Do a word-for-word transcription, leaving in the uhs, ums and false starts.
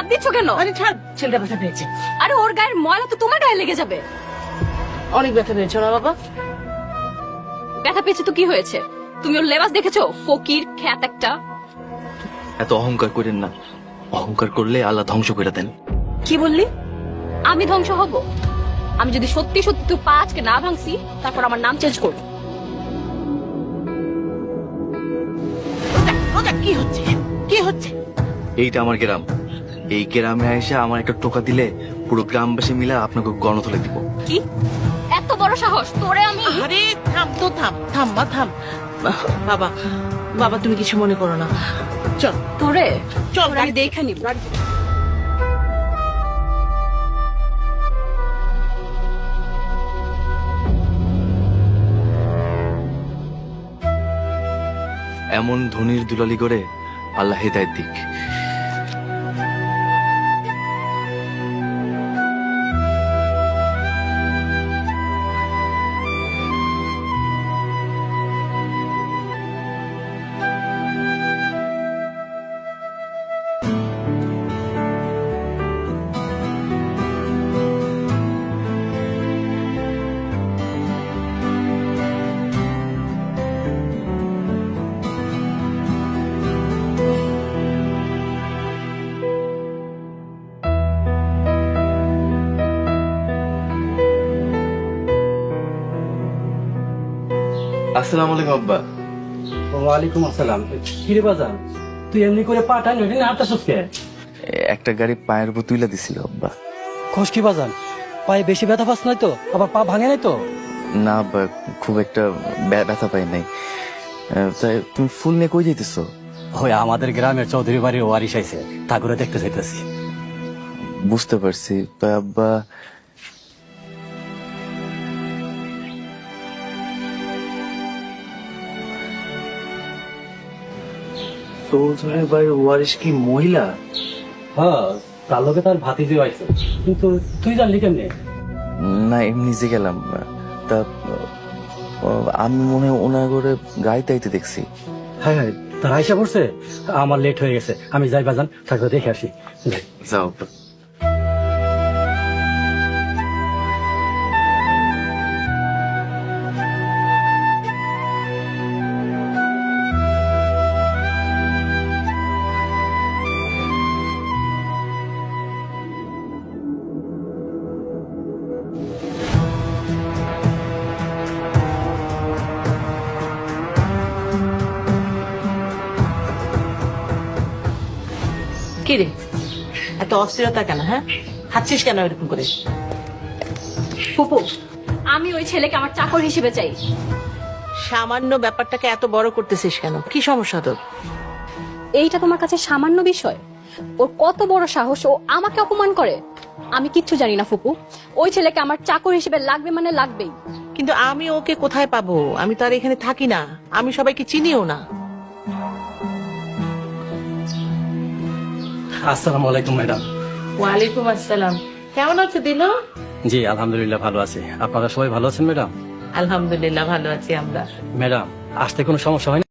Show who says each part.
Speaker 1: হাত দিচ্ছ কেন?
Speaker 2: আরে ছাড়, ছেলেটা ব্যথা পেয়েছে।
Speaker 1: আরে ওর গায়ের ময়লা তো তোমার গায়ে লেগে যাবে।
Speaker 2: অনেক ব্যথা পেয়েছে না বাবা?
Speaker 1: ব্যথা পেয়েছে তো কি হয়েছে? তুমি ওর লেবাস দেখেছো? ফকির খ্যাত একটা।
Speaker 3: এত অহংকার করেন না, অহংকার করলে আল্লাহ ধ্বংস করে দেন।
Speaker 1: কি বললি? আমি ধ্বংস হব? আমি যদি সত্যি সত্যি তুই পা আজকে না ভাঙছি, তারপর আমার নাম চেঞ্জ করবো।
Speaker 2: রোজা, রোজা, কি হচ্ছে কি হচ্ছে?
Speaker 3: এইটা আমার গ্রাম, এই গ্রামে এসে আমার একটা টোকা দিলে পুরো গ্রামবাসী মিলে আপনাকে গণতলে দিব।
Speaker 1: কি এত বড় সাহস তোরে? আমি
Speaker 2: আরে থাম তো, থাম থাম মা, থাম। বাবা, বাবা তুমি কিছু মনে করো না, চল
Speaker 1: তোরে
Speaker 2: চল,
Speaker 1: তোরে আমি দেখে নিব।
Speaker 3: এমন ধনির দুলালি করে আল্লাহ হেদায়েত দিক। আসসালামু আলাইকুম আব্বা।
Speaker 4: ওয়ালাইকুম আসসালাম। কিরে বাজান, তুই এমনি করে পাঠান ওইটা না হাঁটাছিস কে?
Speaker 3: একটা গাড়ি পায়ের উপর তুইলা দিছিল আব্বা।
Speaker 4: খোঁজ কি বাজান, পায়ে বেশি ব্যথা পাস নাই তো? আবার পা ভাঙে নাই তো?
Speaker 3: না আব্বা, খুব একটা ব্যা- ব্যথা পাই নাই। আহ, তাই তুমি ফুল নিয়ে কই যাইতেছো?
Speaker 4: ওই আমাদের গ্রামের চৌধুরী বাড়ির ওয়ারিশ আইছে, ঠাকুরে দেখতে চাইতেছি।
Speaker 3: বুঝতে পারছি। তা আব্বা, চৌধুরী বাড়ির ওয়ারিশ কি মহিলা?
Speaker 4: হ্যাঁ, তার লোকে তার ভাতিজি আইছে, কিন্তু তুই জানলি কেমনে?
Speaker 3: না এমনি যে গেলাম। তা আহ, আমি মনে হয় ওনার করে গাড়িতে আইতে দেখছি।
Speaker 4: হ্যাঁ হ্যাঁ, তার আইসা পড়ছে। আমার লেট হয়ে গেছে, আমি যাই বাজান, ঠাকুরে দেখে আসি। যাই।
Speaker 3: যাও আব্বা।
Speaker 2: কি রে, এত অস্থিরতা কেন? হ্যাঁ, হাঁটছিস কেন এরকম করে?
Speaker 1: ফুপু, আমি ওই ছেলেকে আমার চাকর হিসেবে চাই।
Speaker 2: সামান্য ব্যাপারটাকে এত বড় করতেছিস কেন? কি সমস্যা তোর?
Speaker 1: এইটা তোমার কাছে সামান্য বিষয়? ওর কত বড় সাহস, ও আমাকে অপমান করে। আমি কিচ্ছু জানি না ফুপু, ওই ছেলেকে আমার চাকর হিসেবে লাগবে মানে লাগবেই।
Speaker 2: কিন্তু আমি ওকে কোথায় পাবো? আমি তো আর এখানে থাকি না, আমি সবাইকে চিনিও না।
Speaker 4: আসসালামু আলাইকুম ম্যাডাম।
Speaker 2: ওয়ালাইকুম আসসালাম। কেমন আছো দিলো?
Speaker 4: জি আলহামদুলিল্লাহ ভালো আছি। আপনারা সবাই ভালো আছেন ম্যাডাম?
Speaker 2: আলহামদুলিল্লাহ ভালো আছি আমরা।
Speaker 4: ম্যাডাম, আসতে কোনো সমস্যা হয় না?